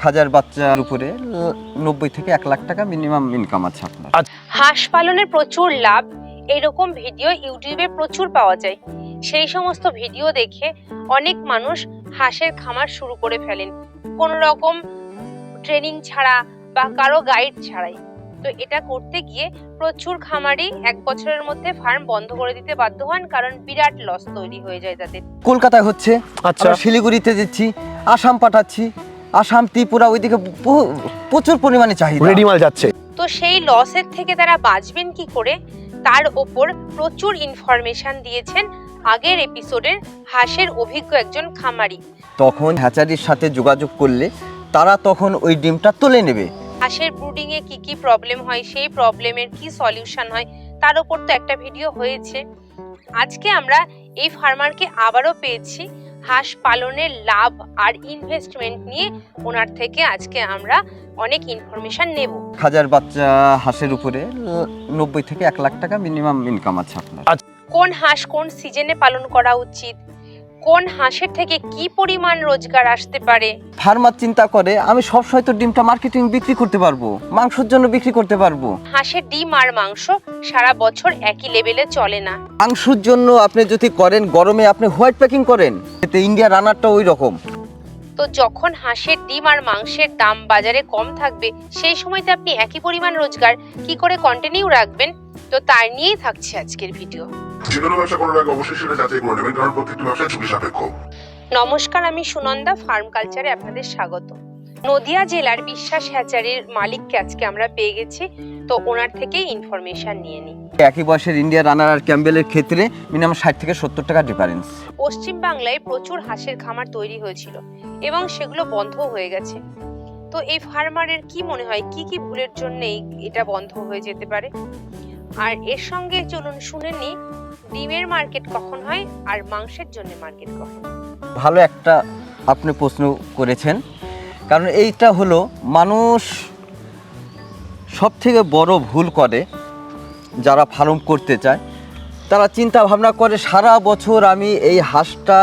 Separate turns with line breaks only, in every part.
1000 বাচ্চার উপরে 90 থেকে 1 লাখ টাকা মিনিমাম ইনকাম আছে আপনার।
হাঁস পালনের প্রচুর লাভ, এরকম ভিডিও ইউটিউবে প্রচুর পাওয়া যায়। সেই সমস্ত ভিডিও দেখে অনেক মানুষ হাঁসের খামার শুরু করে ফেলেন কোনো রকম ট্রেনিং ছাড়া বা কারো গাইড ছাড়াই। তো এটা করতে গিয়ে প্রচুর খামারি 1 বছরের মধ্যে ফার্ম বন্ধ করে দিতে বাধ্য হন, কারণ বিরাট লস তৈরি হয়ে যায় তাদের।
কলকাতায় হচ্ছে, আমরা শিলিগুড়িতে দিচ্ছি, আসাম পাঠাচ্ছি, আসাম ত্রিপুরা ওইদিকে প্রচুর পরিমাণে চাহিদা,
রেডি মাল যাচ্ছে।
তো সেই লসের থেকে তারা বাঁচবেন কি করে তার ওপর প্রচুর ইনফরমেশন দিয়েছেন আগের এপিসোডের হাঁসের অভিজ্ঞ একজন খামারি।
তখন হ্যাচারির সাথে যোগাযোগ করলে তারা তখন ওই ডিমটা তুলে নেবে।
হাঁসের ব্রুডিং এ কি কি প্রবলেম হয়, সেই প্রবলেমের কি সলিউশন হয়, তার উপর তো একটা ভিডিও হয়েছে। আজকে আমরা এই ফার্মারকে আবারও পেয়েছি হাঁস পালনের লাভ আর ইনভেস্টমেন্ট নিয়ে। ওনার থেকে আজকে আমরা অনেক ইনফরমেশন নেব।
1000 বাচ্চা হাঁসের উপরে 90 থেকে 1 লাখ টাকা মিনিমাম ইনকাম আছে আপনার।
কোন হাঁস কোন সিজনে পালন করা উচিত, কোন হাঁসের থেকে কি পরিমাণ রোজগার আসতে পারে।
ফার্মার চিন্তা করে আমি সবসময় তো ডিমটা মার্কেটিং বিক্রি করতে পারবো, মাংসের জন্য বিক্রি করতে পারবো।
হাঁসের ডিম আর মাংস সারা বছর একই লেভেলে চলে না।
মাংসের জন্য আপনি যদি করেন গরমে আপনি হোয়াইট প্যাকিং করেন, এতে ইন্ডিয়া রানারটা ওই রকম।
তো যখন হাঁসের ডিম আর মাংসের দাম বাজারে কম থাকবে, সেই সময়তে আপনি একই পরিমাণ রোজগার কি করে কন্টিনিউ রাখবেন, তো তার নিয়েই থাকছে আজকের ভিডিও।
যে কোনো ব্যবসা করার আগে অবশ্যই সেটা যাচাই করে নেবেন, কারণ প্রত্যেকটি ব্যবসা ঝুঁকি সাপেক্ষ।
নমস্কার, আমি সুনন্দা, ফার্ম কালচারে আপনাদের স্বাগত। নদিয়া জেলার বিশ্বাস হ্যাচারির মালিককে আজকে আমরা পেয়ে গেছি, তো ওনার থেকেই ইনফরমেশন নিয়ে নিই।
একই বয়সের ইন্ডিয়া রানার আর ক্যাম্বেলের ক্ষেত্রে মিনিমাম 60 থেকে 70 টাকা ডিফারেন্স।
পশ্চিম বাংলায় প্রচুর হাঁসের খামার তৈরি হয়েছিল এবং সেগুলো বন্ধ হয়ে গেছে। তো এই ফার্মারের কি মনে হয় কি কি ভুলের জন্য এটা বন্ধ হয়ে যেতে পারে, আর এর সঙ্গে চলুন শুনে নিই ডিমের মার্কেট কখন হয় আর মাংসের জন্য মার্কেট কখন।
ভালো একটা আপনি প্রশ্ন করেছেন, কারণ এইটা হলো মানুষ সব থেকে বড় ভুল করে যারা ফার্ম করতে চায়। তারা চিন্তা ভাবনা করে সারা বছর আমি এই হাঁসটা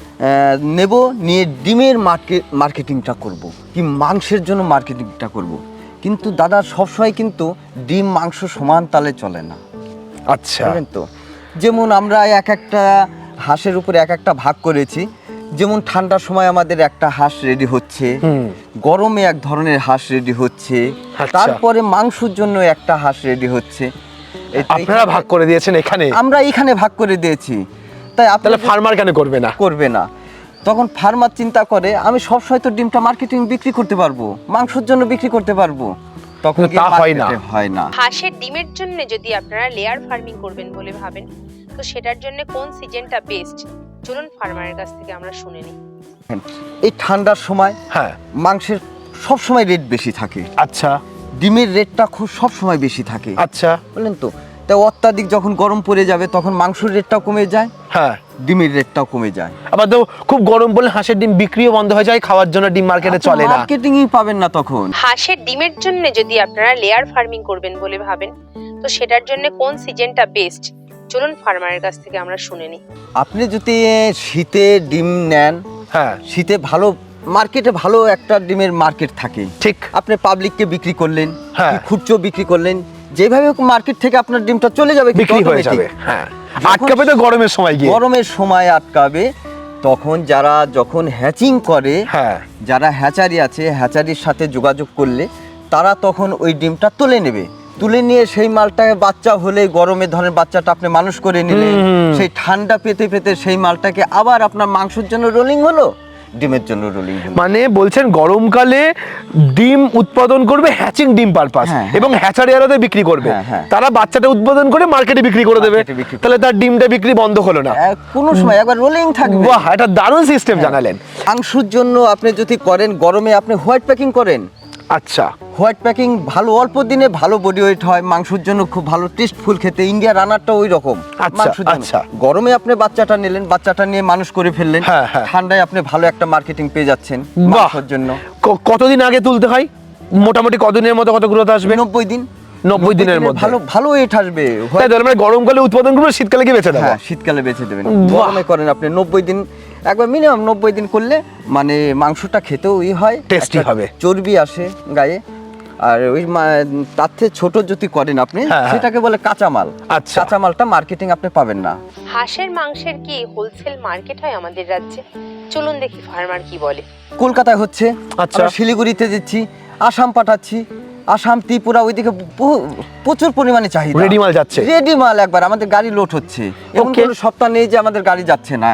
নেব, নিয়ে ডিমের মার্কেটিংটা করব, কি মাংসের জন্য মার্কেটিংটা করব। কিন্তু দাদা সবসময় কিন্তু ডিম মাংস সমান তালে চলে না।
আচ্ছা,
বুঝলেন তো? যেমন আমরা এক একটা হাঁসের উপরে এক একটা ভাগ করেছি। যেমন ঠান্ডার সময় আমাদের একটা হাঁস রেডি হচ্ছে, গরমে এক ধরনের হাঁস রেডি হচ্ছে, তারপরে মাংসের জন্য একটা হাঁস রেডি হচ্ছে।
আপনারা ভাগ করে দিয়েছেন এখানে?
আমরা এখানে ভাগ করে দিয়েছি। তাই
তাহলে ফার্মার কেন করবে না? তখন ফার্মার চিন্তা করে আমি সবসময় তো ডিমটা মার্কেটিং বিক্রি করতে পারবো, মাংসের জন্য বিক্রি করতে পারবো, তখন তা হয় না।
হাঁসের ডিমের জন্য যদি আপনারা লেয়ার ফার্মিং করবেন বলে ভাবেন, তো সেটার জন্য কোন সিজনটা বেস্ট, চলুন ফার্মারের কাছ থেকে আমরা শুনে নিই।
এই ঠান্ডার সময় মাংসের সব সময় রেট বেশি থাকে।
আচ্ছা,
ডিমের রেটটা খুব সব সময় বেশি থাকে।
আচ্ছা,
বললেন তো? তাই অত্যাধিক যখন গরম পড়ে যাবে তখন মাংসের রেটটাও কমে যায়, ডিমের রেটটাও কমে যায়।
আবার তো খুব গরম পড়লে হাঁসের ডিম বিক্রিও বন্ধ হয়ে যায়, খাওয়ার জন্য ডিম মার্কেটে চলে না,
মার্কেটিংই পাবেন না তখন।
হাঁসের ডিমের জন্য যদি আপনারা লেয়ার ফার্মিং করবেন বলে ভাবেন, তো সেটার জন্য কোন সিজনটা বেস্ট, চলুন ফার্মারের কাছ থেকে আমরা শুনে নিই।
আপনি যদি শীতে ডিম নেন, শীতে ভালো মার্কেটে ভালো একটা ডিমের মার্কেট থাকে,
ঠিক।
আপনি পাবলিককে বিক্রি করলেন, খুচরো বিক্রি করলেন, যেভাবে মার্কেট থেকে আপনার ডিমটা চলে যাবে,
বিক্রি হয়ে যাবে। আটকাবে তো গরমের সময় গিয়ে,
গরমের সময় আটকাবে। তখন যারা যখন হ্যাচিং করে, যারা হ্যাচারি আছে, হ্যাচারির সাথে যোগাযোগ করলে তারা তখন ওই ডিমটা তুলে নেবে। তুলে নিয়ে সেই মালটাকে বাচ্চা হলে গরমে ধরেন বাচ্চাটা আপনি মানুষ করে নিলেন, সেই ঠান্ডা পেতে পেতে সেই মালটাকে আবার আপনার মাংসের জন্য রোলিং হলো, ডিমের জন্য রোলিং হলো।
মানে বলছেন গরমকালে ডিম উৎপাদন করবে হ্যাচিং ডিম পারপাস, এবং হ্যাচারিয়ারাতে বিক্রি করবে, তারা বাচ্চাটা উৎপাদন করে মার্কেটে বিক্রি করে দেবে, তাহলে তার ডিমটা বিক্রি বন্ধ হলো না,
কোনো সময় একবার রোলিং থাকবে।
বাহ, এটা দারুণ সিস্টেম জানালেন।
মাংসের জন্য আপনি যদি করেন গরমে আপনি হোয়াইট প্যাকিং করেন।
আচ্ছা,
হোয়াইট প্যাকিং ভালো, অল্প দিনে ভালো বডি ওয়েট হয়, মাংসের জন্য খুব ভালো টেস্টফুল খেতে। ইন্ডিয়া রানারটা ওই রকম।
আচ্ছা,
গরমে আপনি বাচ্চাটা নিলেন, বাচ্চাটা নিয়ে মানুষ করে ফেললেন, ঠান্ডায় আপনি ভালো একটা মার্কেটিং পেয়ে যাচ্ছেন মাংসের জন্য।
কতদিন আগে তুলতে হয় মোটামুটি, কতদিনের মধ্যে কত গ্রোথ আসবে?
90 দিন।
90 দিনের মধ্যে
ভালো ওয়েট আসবে।
তাই মানে গরমকালে উৎপাদন করবে, শীতকালে কি বেচে দেবেন?
শীতকালে বেচে দেবেন। গরমে করেন আপনি 90 দিন, একবার মিনিমাম 90 দিন করলে মানে মাংসটা খেতেও হয়,
টেস্টি
একটা
হবে,
চর্বি আসে গায়ে। আর ওই তার থেকে ছোট যদি করেন আপনি, সেটাকে বলে কাঁচামাল।
আচ্ছা,
কাঁচামালটা মার্কেটিং আপনি পাবেন না।
হাঁসের মাংসের কি হোলসেল মার্কেট হয় আমাদের রাজ্যে? চলুন দেখি ফার্মার কি বলে।
কলকাতায় হচ্ছে,
আচ্ছা,
আমরা শিলিগুড়িতে দিচ্ছি, আসাম পাঠাচ্ছি, আসাম ত্রিপুরা ওইদিকে প্রচুর পরিমাণে চাহিদা,
রেডি মাল যাচ্ছে,
রেডি মাল একবার আমাদের গাড়ি লোড হচ্ছে। এমন কোনো সপ্তাহ নেই যে আমাদের গাড়ি যাচ্ছে না।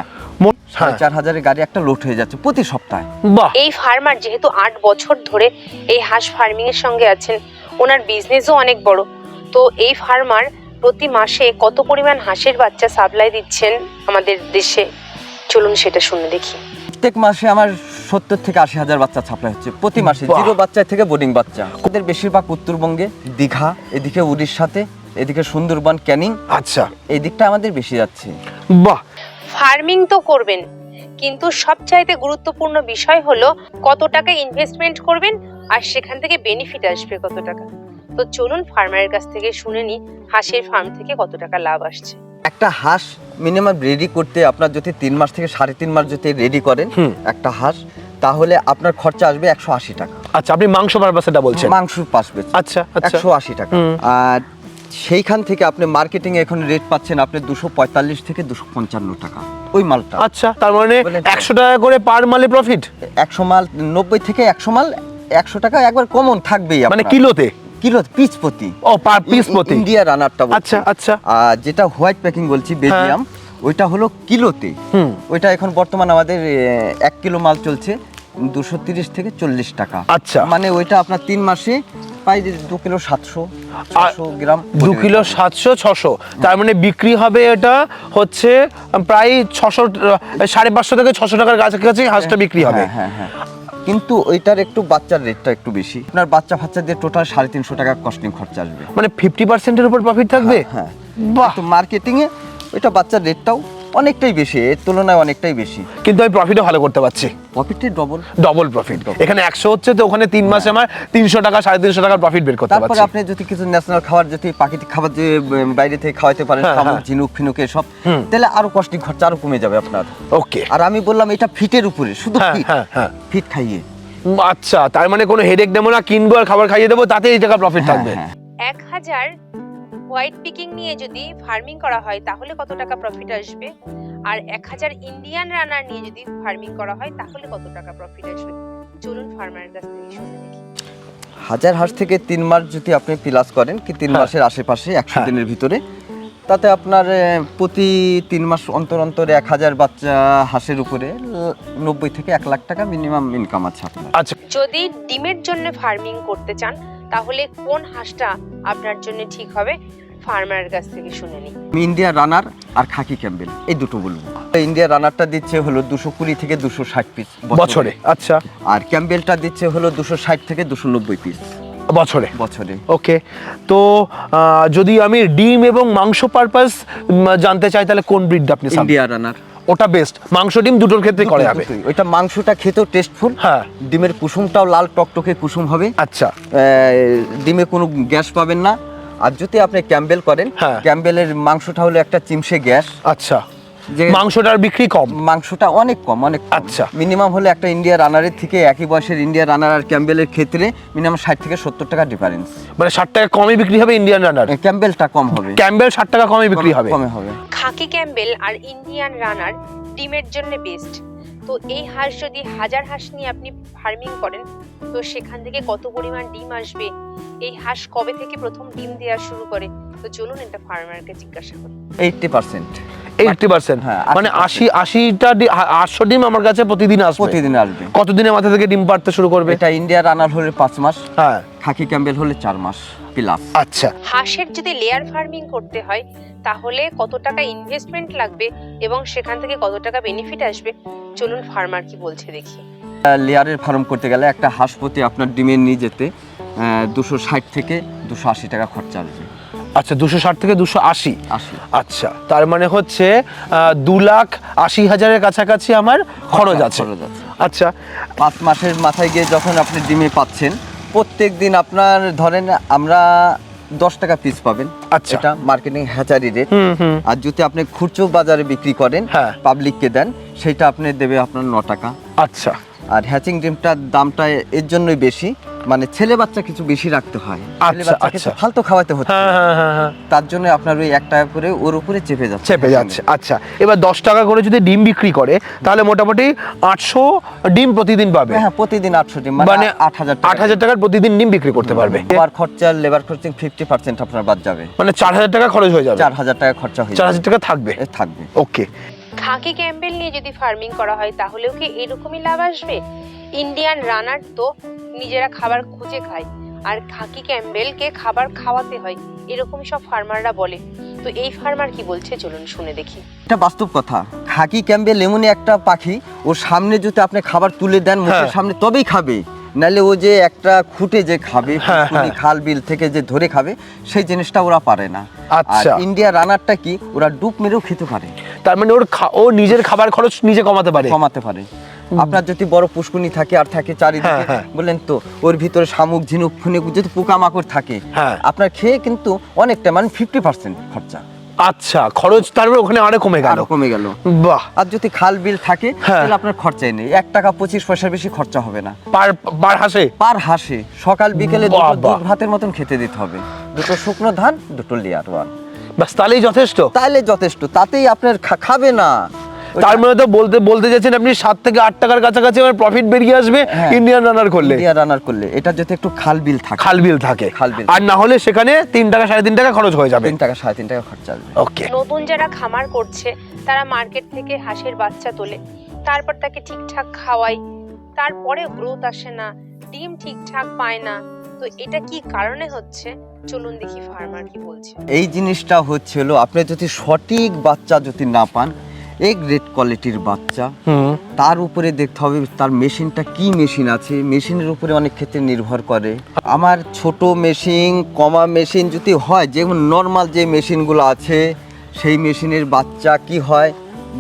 4,500 গাড়ি একটা লোড হয়ে যাচ্ছে প্রতি সপ্তাহে।
এই ফার্মার যেহেতু 8 বছর ধরে এই হাঁস ফার্মিং এর সঙ্গে আছেন, ওনার বিজনেসও অনেক বড়। তো এই ফার্মার প্রতি মাসে কত পরিমাণ হাঁসের বাচ্চা সাপ্লাই দিচ্ছেন আমাদের দেশে, চলুন সেটা শুনে দেখি।
প্রত্যেক মাসে আমার 70 থেকে 80,000 বাচ্চা ছাপলা হচ্ছে প্রতি মাসে, জিরো বাচ্চা থেকে বোর্ডিং বাচ্চা। ওদের বেশিরভাগ উত্তরবঙ্গে, দীঘা, এদিকে উড়িষ্যাতে, এদিকে সুন্দরবন, ক্যানিং,
আচ্ছা,
এই দিকটা আমাদের বেশি যাচ্ছে।
বাহ,
ফার্মিং তো করবেন, কিন্তু সবচাইতে গুরুত্বপূর্ণ বিষয় হলো কত টাকা ইনভেস্টমেন্ট করবেন আর সেখান থেকে বেনিফিট আসবে কত টাকা। তো চলুন ফার্মারের কাছ থেকে শুনে নি হাঁসের ফার্ম থেকে কত টাকা লাভ আসছে।
একটা হাঁস মিনিমাম রেডি করতে আপনার যদি 3 মাস থেকে 3.5 মাস যদি রেডি করেন একটা হাঁস, তাহলে আপনার খরচা আসবে 180 টাকা।
আচ্ছা, আপনি মাংস পারপাসটা বলছেন?
মাংস পাসবে,
আচ্ছা,
180 টাকা। আর সেইখান থেকে আপনি মার্কেটিং এ এখন রেট পাচ্ছেন আপনি 245 থেকে 255 টাকা ওই মালটা।
আচ্ছা, তার মানে 100 টাকা করে পার মালে প্রফিট।
100 মাল 90 থেকে 100 মাল 100 টাকা একবার কমন থাকবেই,
মানে কিলোতে,
কিলো পিস প্রতি।
ও, পার পিস প্রতি।
ইন্ডিয়া রানারটা বলছি।
আচ্ছা, আচ্ছা।
আর যেটা হোয়াইট প্যাকিং বলছি বেলজিয়াম, ওইটা হলো কিলোতে। ওইটা এখন বর্তমান আমাদের 1 কিলো মাল চলছে 230 থেকে 40 টাকা।
আচ্ছা,
মানে ওইটা আপনার 3 মাসে প্রায় 2 কিলো 700 গ্রাম,
2 কিলো 700-600, তার মানে বিক্রি হবে এটা হচ্ছে প্রায় 600, 550 থেকে 600 টাকার কাছাকাছি হাঁসটা বিক্রি হবে।
হ্যাঁ হ্যাঁ, কিন্তু ওইটার একটু বাচ্চার রেটটা একটু বেশি। আপনার বাচ্চা ফাচ্চা দিয়ে টোটাল 350 টাকা কস্টিং খরচা আসবে,
মানে 50% এর উপর প্রফিট থাকবে।
হ্যাঁ,
বাহ,
তো মার্কেটিং এ ওইটা বাচ্চার রেটটাও অনেকটাই বেশি, এর তুলনায় অনেকটাই বেশি,
কিন্তু আমি প্রফিটও ভালো করতে পারছি।
প্রফিটে ডবল
প্রফিট। এখানে 100 হচ্ছে, তো ওখানে 3 মাসে আমার 300 টাকা 350 টাকার প্রফিট বের করতে পারছি।
তারপরে আপনি যদি কিছু ন্যাশনাল খাবার, যদি প্রাকৃতিক খাবার যে বাইরে থেকে খাওয়াতে পারেন, শামুক, ঝিনুক, ফিনুক এসব, তাহলে আরো কস্টিং খরচা আরো কমে যাবে আপনার। ওকে, আর আমি বললাম এটা ফিটের উপরে, শুধু ফিট খাইয়ে।
আচ্ছা, তার মানে কোনো হেডেক নেবো না, কিনবো আর খাবার খাইয়ে দেবো, তাতে এই টাকা প্রফিট থাকবে।
1000 হোয়াইট পিকিং নিয়ে যদি ফার্মিং করা হয় তাহলে কত টাকা প্রফিট আসবে, আর 1000 ইন্ডিয়ান রানার নিয়ে যদি ফার্মিং করা হয় তাহলে কত টাকা প্রফিট আসবে, চলুন ফার্মারের কাছ থেকে শুনে দেখি।
1000 হাঁস থেকে 3 মাস যদি আপনি প্লাস করেন, কি 3 মাসের আশেপাশে 100 দিনের ভিতরে, তাতে আপনার প্রতি 3 মাস অন্তর অন্তর 1000 বাচ্চা হাঁসের উপরে 90 থেকে 1 লাখ টাকা মিনিমাম ইনকাম আছে আপনার।
আচ্ছা,
যদি ডিমের জন্য ফার্মিং করতে চান তাহলে কোন হাঁসটা আপনার জন্য ঠিক হবে, ফার্মারের কাছ থেকে শুনে নিই।
ইন্ডিয়া রানার আর খাকি ক্যাম্বেল, এই দুটো বলবো। ইন্ডিয়া রানারটা দিচ্ছে হলো 220 থেকে 260 পিস
বছরে। আচ্ছা,
আর ক্যাম্বেলটা দিচ্ছে হলো 260 থেকে 290 পিস বছরে।
ওকে, তো যদি আমি ডিম এবং মাংস পারপাস জানতে চাই, তাহলে কোন ব্রিডটা আপনি?
ইন্ডিয়া রানার,
ওটা বেস্ট, মাংস ডিম দুটোর ক্ষেত্রে করে যাবে।
ওইটা মাংসটা খেতেও টেস্টফুল,
হ্যাঁ,
ডিমের কুসুমটাও লাল টকটকে কুসুম হবে।
আচ্ছা,
ডিমে কোনো গ্যাস পাবেন না। আর যদি আপনি ক্যাম্বেল করেন, ক্যাম্বেলের মাংসটা হলো একটা চিমসে গ্যাস।
আচ্ছা, যে মাংসটার বিক্রি কম,
মাংসটা অনেক কম।
আচ্ছা,
মিনিমাম হলে একটা ইন্ডিয়া রানারের থেকে একই বয়সের ইন্ডিয়া রানার আর ক্যাম্বেলের ক্ষেত্রে মিনিমাম 60 থেকে 70 টাকা ডিফারেন্স।
মানে 60 টাকা কমই বিক্রি হবে ইন্ডিয়ান রানার,
ক্যাম্বেলটা কম হবে।
ক্যাম্বেল 60 টাকা কমই বিক্রি হবে।
খাকি ক্যাম্বেল আর ইন্ডিয়ান রানার ডিমের জন্য বেস্ট। তো এই হাঁস যদি 1000 হাঁস নিয়ে আপনি ফার্মিং করেন, তো সেখান থেকে কত পরিমাণ ডিম আসবে, এই হাঁস কবে থেকে প্রথম ডিম দেওয়া শুরু করে, তো চলুন এটা ফার্মারকে জিজ্ঞাসা করি।
80%,
মানে 80টা 800 ডিম আমার কাছে প্রতিদিন আসবে। কতদিনের মাথা থেকে ডিম পাড়তে শুরু করবে?
এটা ইন্ডিয়া রানার হলে 5 মাস, খাকি ক্যাম্বেল হলে 4 মাস প্লাস।
আচ্ছা,
হাঁসের যদি লেয়ার ফার্মিং করতে হয় তাহলে কত টাকা ইনভেস্টমেন্ট লাগবে এবং সেখান থেকে কত টাকা বেনিফিট আসবে, চলুন ফার্মার কি বলছে দেখি।
লেয়ারের ফার্ম করতে গেলে একটা হাঁস প্রতি আপনার ডিমের নিয়ে যেতে 260 থেকে 280 টাকা খরচা আসবে।
আচ্ছা, 260 থেকে 280। আচ্ছা, তার মানে হচ্ছে 2,80,000-এর কাছাকাছি আমার খরচ আছে। আচ্ছা,
5 মাসের মাথায় গিয়ে যখন আপনি ডিমে পাচ্ছেন, প্রত্যেক দিন আপনার ধরেন আমরা 10 টাকা পিস পাবেন।
আচ্ছা।
এটা মার্কেটিং হ্যাচারি রেট। আর যদি আপনি খুচরো বাজারে বিক্রি করেন,
হ্যাঁ।
পাবলিককে দেন, সেটা আপনি দেবে আপনার 9 টাকা।
আচ্ছা
আর হ্যাচিং ডিমটার দামটা এর জন্যই বেশি, মানে ছেলে বাচ্চা কিছু বেশি রাখতে হয়, ছেলে
আচ্ছা,
বাচ্চাকে
আচ্ছা।
তো ফালতু খাওয়াতে হচ্ছে,
হ্যাঁ
তার জন্য আপনার ওই 1 টাকা করে ওর উপরে চেপে যাচ্ছে।
আচ্ছা, এবার 10 টাকা করে যদি ডিম বিক্রি করে তাহলে মোটামুটি 800 ডিম প্রতিদিন পাবে।
হ্যাঁ, প্রতিদিন 800 ডিম,
মানে
8,000
টাকার প্রতিদিন ডিম বিক্রি করতে পারবে।
লেবার খরচা, লেবার খরচা 50% আপনার বাদ যাবে,
মানে 4000 টাকা খরচ হয়ে যাবে,
4000 টাকা খরচা হয়ে
4000 টাকা থাকবে।
থাকবে।
ওকে।
খাকি ক্যাম্বেল নিয়ে যদি ফার্মিং করা হয় তাহলেও কি এরকমই লাভ আসবে? ইন্ডিয়ান রানার তো নিজেরা খাবার খুঁজে খায়, আর খাকি ক্যাম্বেলকে খাবার খাওয়াতে হয়, এরকমই সব ফার্মাররা বলে। তো এই ফার্মার কি বলছে চলুন শুনে দেখি।
এটা বাস্তব কথা। খাকি ক্যাম্বেল এমনই একটা পাখি, ওর সামনে যদি আপনি খাবার তুলে দেন মুখের সামনে তবেই খাবে, নাহলে ও যে একটা খুঁটে যে খাবে, পুকুরি, খাল বিল থেকে যে ধরে খাবে, সেই জিনিসটা ওরা পারে না। আর
আচ্ছা।
ইন্ডিয়া রানারটা কি, ওরা ডুব মেরেও খেতে পারে,
তার মানে ও নিজের খাবার খরচ নিজে কমাতে পারে।
আপনার যদি বড় পুষ্কুনি থাকে আর থাকে চারিদিকে, বললেন তো ওর ভিতরে শামুক, ঝিনুক, ফুনুক যদি পোকামাকড় থাকে, আপনার খেয়ে কিন্তু অনেকটা, মানে 50% খরচা।
আচ্ছা, খরচ তারপরে ওখানে আরো কমে গেল। বাহ।
আর যদি খাল বিল থাকে তাহলে আপনার খরচাই নেই, 1 টাকা 25 পয়সার বেশি খরচা হবে না পার হাঁসে। সকাল বিকেলে দুটো দুধ ভাতের মতন খেতে দিতে হবে, 2টো শুকনো ধান, 2টো লেয়ার ওয়ান,
বাস তাহলেই যথেষ্ট। তাতেই আপনার খাবে না। তার মানে তো বলতে যাচ্ছেন আপনি 7 থেকে 8 টাকার কাছাকাছি আমার প্রফিট বেরিয়ে আসবে ইন্ডিয়ান রানার করলে। এটা যদি একটু খাল বিল থাকে, আর না হলে সেখানে 3 টাকা 3.5 টাকা খরচ হয়ে যাবে,
3 টাকা 3.5 টাকা খরচা আসবে।
ওকে।
নতুন যারা খামার করছে তারা মার্কেট থেকে হাঁসের বাচ্চা তোলে, তারপর তাকে ঠিকঠাক খাওয়ায়, তারপরে গ্রোথ আসে না, ডিম ঠিকঠাক পায় না। তো এটা কি কারণে হচ্ছে চলুন দেখি ফার্মার কি বলছে।
এই জিনিসটা হচ্ছিল, আপনি যদি সঠিক বাচ্চা যদি না পান, এক গ্রেড কোয়ালিটির বাচ্চা, তার উপরে দেখতে হবে তার মেশিনটা কি মেশিন আছে, মেশিনের উপরে অনেক ক্ষেত্রে নির্ভর করে। আমার ছোট মেশিন, কমা মেশিন যদি হয়, যেমন নর্মাল যে মেশিনগুলো আছে, সেই মেশিনের বাচ্চা কি হয়,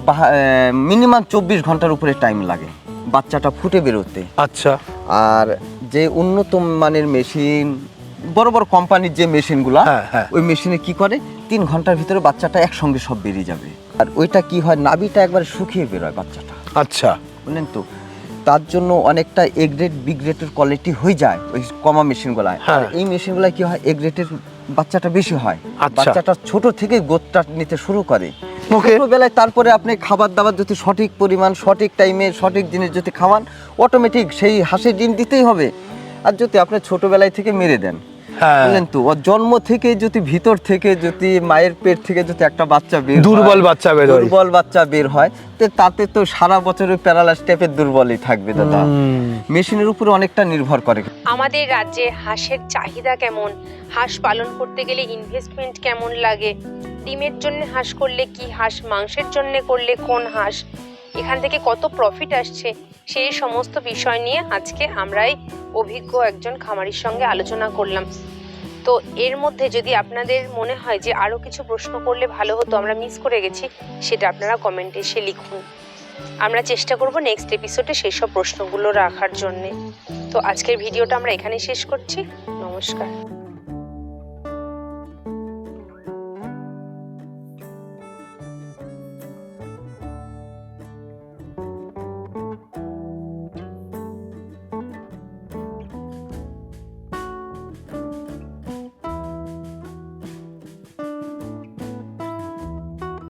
মিনিমাম 24 ঘন্টার উপরে টাইম লাগে বাচ্চাটা ফুটে বেরোতে।
আচ্ছা।
আর যে উন্নত মানের মেশিন, বড় বড় কোম্পানির যে মেশিনগুলো, ওই মেশিনে কি করে 3 ঘন্টার ভিতরে বাচ্চাটা একসঙ্গে সব বেরিয়ে যাবে। আর ওইটা কি হয়, নাভিটা একবার শুকিয়ে বেরোয় বাচ্চাটা।
আচ্ছা,
বুঝলেন তো, তার জন্য অনেকটা এ গ্রেড বি গ্রেডের কোয়ালিটি হয়ে যায় ওই কমা মেশিনগুলায়। আর এই মেশিনগুলায় কি হয়, এ গ্রেডের বাচ্চাটা বেশি হয়, বাচ্চাটা ছোট থেকে গোদটা নিতে শুরু করে ছোটবেলায়। তারপরে আপনি খাবার দাবার যদি সঠিক পরিমাণ, সঠিক টাইমে, সঠিক জিনিস যদি খাওয়ান, অটোমেটিক সেই হাঁসের ডিম দিতেই হবে। আর যদি আপনি ছোটবেলায় থেকে মেরে দেন, বুঝলেন তো, ওর জন্ম থেকে যদি ভিতর থেকে যদি মায়ের পেট থেকে যদি একটা বাচ্চা দুর্বল বাচ্চা বের হয়, তাতে তো সারা বছর প্যারালাইজ টাইপের দুর্বলই থাকবে দাদা। মেশিনের উপরে অনেকটা নির্ভর করে।
আমাদের রাজ্যে হাঁসের চাহিদা কেমন, হাঁস পালন করতে গেলে ইনভেস্টমেন্ট কেমন লাগে, ডিমের জন্য হাঁস করলে কি হাঁস, মাংসের জন্য করলে কোন হাঁস, এখান থেকে কত প্রফিট আসছে, সেই সমস্ত বিষয় নিয়ে আজকে আমরাই অভিজ্ঞ একজন খামারির সঙ্গে আলোচনা করলাম। তো এর মধ্যে যদি আপনাদের মনে হয় যে আরও কিছু প্রশ্ন করলে ভালো হতো, আমরা মিস করে গেছি, সেটা আপনারা কমেন্টে এসে লিখুন। আমরা চেষ্টা করব নেক্সট এপিসোডে সেই সব প্রশ্নগুলো রাখার জন্যে। তো আজকের ভিডিওটা আমরা এখানেই শেষ করছি। নমস্কার।